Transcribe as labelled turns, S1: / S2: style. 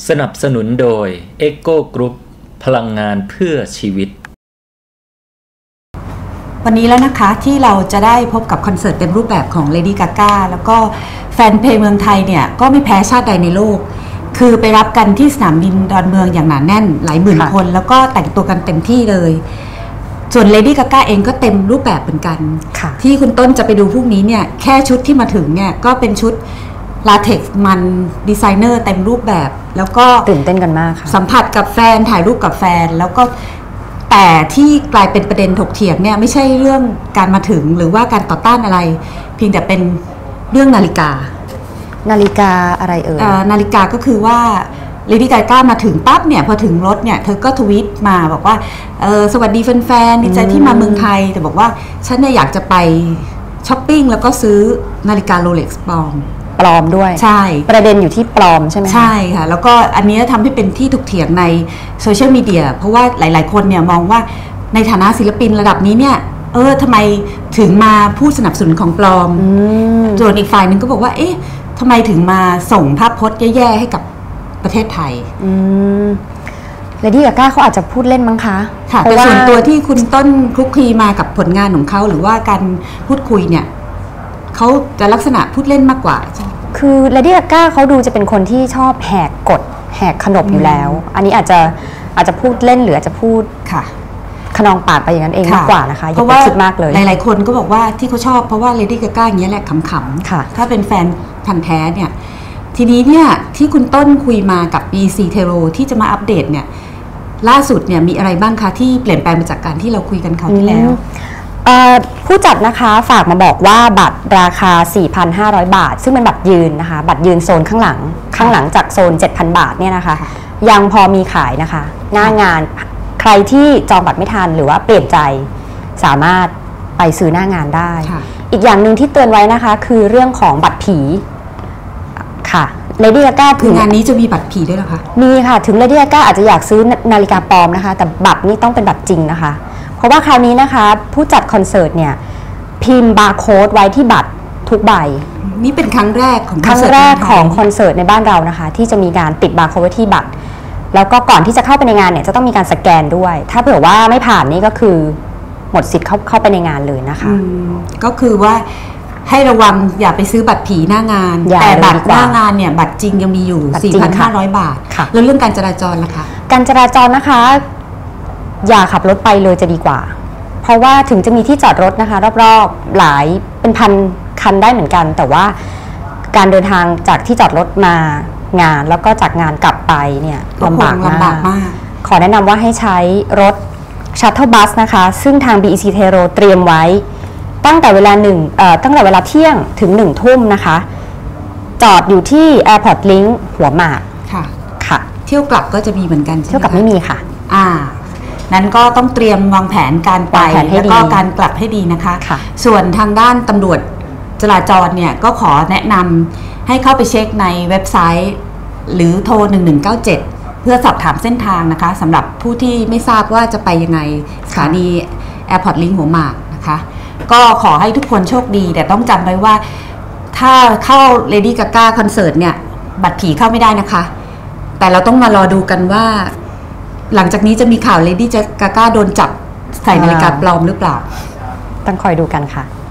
S1: สนับสนุนโดย Echo Group พลังงานเพื่อชีวิต
S2: วันนี้แล้วนะคะที่เราจะได้พบกับคอนเสิร์ตเต็มรูปแบบของ Lady Gaga แล้วก็แฟนเพลงเมืองไทยเนี่ยก็ไม่แพ้ชาติใดในโลกคือไปรับกันที่สนามบินดอนเมืองอย่างหนาแน่นหลายหมื่นคนแล้วก็แต่งตัวกันเต็มที่เลยส่วน Lady Gaga เองก็เต็มรูปแบบเหมือนกันที่คุณต้นจะไปดูพรุ่งนี้เนี่ยแค่ชุดที่มาถึงเนี่ยก็เป็นชุดลาเท็กซ์มันดีไซเนอร์เต็มรูปแบบแล้วก็
S3: ตื่นเต้นกันมากค่ะ
S2: สัมผัสกับแฟนถ่ายรูปกับแฟนแล้วก็แต่ที่กลายเป็นประเด็นถกเถียงเนี่ยไม่ใช่เรื่องการมาถึงหรือว่าการต่อต้านอะไรเพียงแต่เป็นเรื่องนาฬิกา
S3: อะไรเอ่ย
S2: นาฬิกาก็คือว่าLady Gagaมาถึงปั๊บเนี่ยพอถึงรถเนี่ยเธอก็ทวีตมาบอกว่าสวัสดีแฟนๆดีใจที่มาเมืองไทยแต่บอกว่าฉันเนี่ยอยากจะไปช้อปปิ้งแล้วก็ซื้อนาฬิกาโรเล็กซ์ปลอม
S3: ด้วย
S2: ใช่
S3: ประเด็นอยู่ที่ปลอมใช่ไหม
S2: ใช่ค่ะแล้วก็อันนี้ทำให้เป็นที่ถกเถียงในโซเชียลมีเดียเพราะว่าหลายๆคนเนี่ยมองว่าในฐานะศิลปินระดับนี้เนี่ยทำไมถึงมาพูดสนับสนุนของปลอมส่วนอีกฝ่ายนึงก็บอกว่าเอ๊ะทำไมถึงมาส่งภาพพจน์แย่ๆให้กับประเทศไทย
S3: Lady Gagaเขาอาจจะพูดเล่นมั้งคะ
S2: ค่ะแต่ส่วนตัวที่คุณต้นคลุกคลีมากับผลงานของเขาหรือว่าการพูดคุยเนี่ยเขาจะลักษณะพูดเล่นมากกว่า
S3: คือ Lady Gaga เขาดูจะเป็นคนที่ชอบแหกกฎแหกขนบอยู่แล้วอันนี้อาจจะพูดเล่นหรืออาจจะพูดขนองปากไปอย่างนั้นเองมากกว่านะคะ
S2: เพราะว่าคิดมากเลยหลายๆคนก็บอกว่าที่เขาชอบเพราะว่า Lady Gaga อย่างนี้แหละขำๆถ้าเป็นแฟนพันธุ์แท้เนี่ยทีนี้เนี่ยที่คุณต้นคุยมากับ BC Tero ที่จะมาอัปเดตเนี่ยล่าสุดเนี่ยมีอะไรบ้างคะที่เปลี่ยนแปลงมาจากการที่เราคุยกันคราวที่แล้ว
S3: ผู้จัดนะคะฝากมาบอกว่าบัตรราคา 4,500 บาทซึ่งเป็นบัตรยืนนะคะบัตรยืนโซนข้างหลังจากโซน 7,000 บาทเนี่ยนะคะยังพอมีขายนะคะหน้างานใครที่จองบัตรไม่ทันหรือว่าเปลี่ยนใจสามารถไปซื้อหน้างานได้อีกอย่างหนึ่งที่เตือนไว้นะคะคือเรื่องของบัตรผีค่ะLady Gaga
S2: คืองานนี้จะมีบัตรผีด้วยเหรอคะ
S3: มีค่ะถึง Lady Gaga อาจจะอยากซื้อนาฬิกาปลอมนะคะแต่บัตรนี่ต้องเป็นบัตรจริงนะคะเพราะว่าคราวนี้นะคะผู้จัดคอนเสิร์ตเนี่ยพิมพ์บาร์โค้ดไว้ที่บัตรทุกใบ
S2: นี่เป็นครั้งแรกของ
S3: คอนเสิร์ตในบ้านเรานะคะที่จะมีการติดบาร์โค้ดไว้ที่บัตรแล้วก็ก่อนที่จะเข้าไปในงานเนี่ยจะต้องมีการสแกนด้วยถ้าเผื่อว่าไม่ผ่านนี่ก็คือหมดสิทธิ์เข้าไปในงานเลยนะคะ
S2: ก็คือว่าให้ระวังอย่าไปซื้อบัตรผีหน้างานแต่บัตรหน้างานเนี่ยบัตรจริงยังมีอยู่ 4,500 บาทแล้วเรื่องการจราจรล่ะคะ
S3: การจราจรนะคะอย่าขับรถไปเลยจะดีกว่าเพราะว่าถึงจะมีที่จอดรถนะคะรอบๆหลายเป็นพันคันได้เหมือนกันแต่ว่าการเดินทางจากที่จอดรถมางานแล้วก็จากงานกลับไปเนี่ยลำบากมากขอแนะนำว่าให้ใช้รถชัตเทิลบัสนะคะซึ่งทาง BEC Tero เตรียมไว้ตั้งแต่เวลาเที่ยงถึง1 ทุ่มนะคะจอดอยู่ที่ Airport Link หัวหมาก
S2: ค่ะเที่ยวกลับก็จะมีเหมือนกัน
S3: เที่ยวกลับไม่มีค่ะ
S2: นั้นก็ต้องเตรียมวางแผนการไปแล้วก็การกลับให้ดีนะคะส่วนทางด้านตำรวจจราจรเนี่ยก็ขอแนะนำให้เข้าไปเช็คในเว็บไซต์หรือโทร1197เพื่อสอบถามเส้นทางนะคะสำหรับผู้ที่ไม่ทราบว่าจะไปยังไงสถานี Airport Link หัวหมากนะคะก็ขอให้ทุกคนโชคดีแต่ต้องจำไว้ว่าถ้าเข้า Lady Gaga คอนเสิร์ตเนี่ยบัตรผีเข้าไม่ได้นะคะแต่เราต้องมารอดูกันว่าหลังจากนี้จะมีข่าว Lady Gaga โดนจับใส่นาฬิกาปลอมหรือเปล่า
S3: ต้องคอยดูกันค่ะ